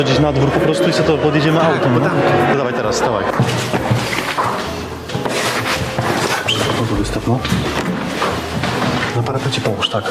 gdzieś na dwór po prostu i sobie to podjedziemy autem, no? To dawaj teraz, dawaj. No to wystaw, no. Na parapecie połóż, tak.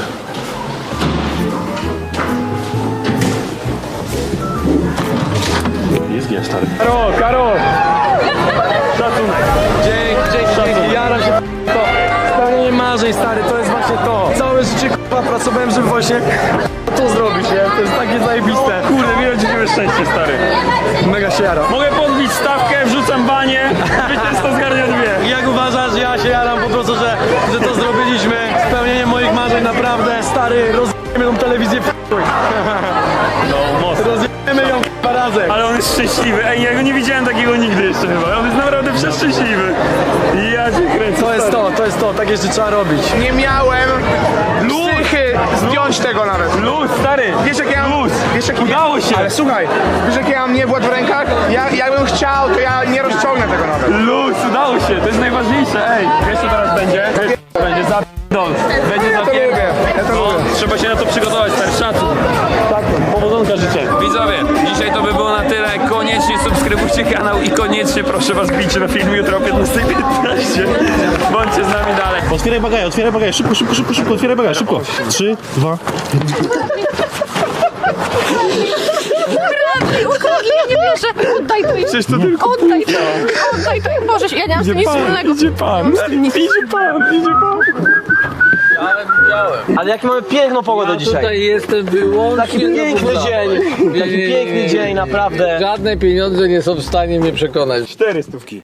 Jest stary. Karol! Szacunek. Dzięki, jaram się to. Spełnienie marzeń, stary, to jest właśnie to. Całe życie k***a pracowałem, żeby właśnie to zrobić, nie? To jest takie zajebiste. Kurde, mi rodzimy szczęście, stary. Mega się jaram. Mogę podbić stawkę, wrzucam banie, zwycięzca zgarnia dwie. Jak uważasz, ja się jaram po prostu, że to zrobiliśmy. Spełnienie moich marzeń, naprawdę, stary, rozjemy tą telewizję f***uj. No, mocno. Rozjemy ją k***a razem. Ale on jest szczęśliwy. Ej, ja go nie widziałem takiego nigdy jeszcze chyba. On jest naprawdę przeszczęśliwy. Ja cię kręcę. To jest to, tak jeszcze trzeba robić. Nie miałem psychy zdjąć tego nawet. Luz, stary. Wiesz jak ja mam... Luz. Wiesz, jak Udało się. Ale słuchaj, wiesz jak ja mam niewład w rękach? Jakbym chciał, to ja nie rozciągnę tego nawet. Luz, udało się. To jest najważniejsze. Ej, wiesz co teraz będzie? Będzie zapierdol. Będzie zapierdol. Ja to lubię. Trzeba się na to przygotować, stary. Szacun. Tak, Powodzonka życzę. Widzowie, dzisiaj to by było na tyle. Koniecznie subskrybujcie kanał i koniecznie proszę was bijcie na film jutro o 15:15. Bądźcie z nami dalej. Otwieraj bagaż, szybko, otwieraj bagaż, szybko. 3, 2, Ukradli, ja nie wierzę. Oddaj to im. Przecież to tylko Oddaj to. Oddaj to im. Boże, ja nie mam z tym nic wspólnego. idzie pan. Ale jaki mamy piękną pogodę dzisiaj. Tutaj jestem wyłącznie Taki piękny dzień. Taki piękny dzień, naprawdę. Żadne pieniądze nie są w stanie mnie przekonać. 4 stówki.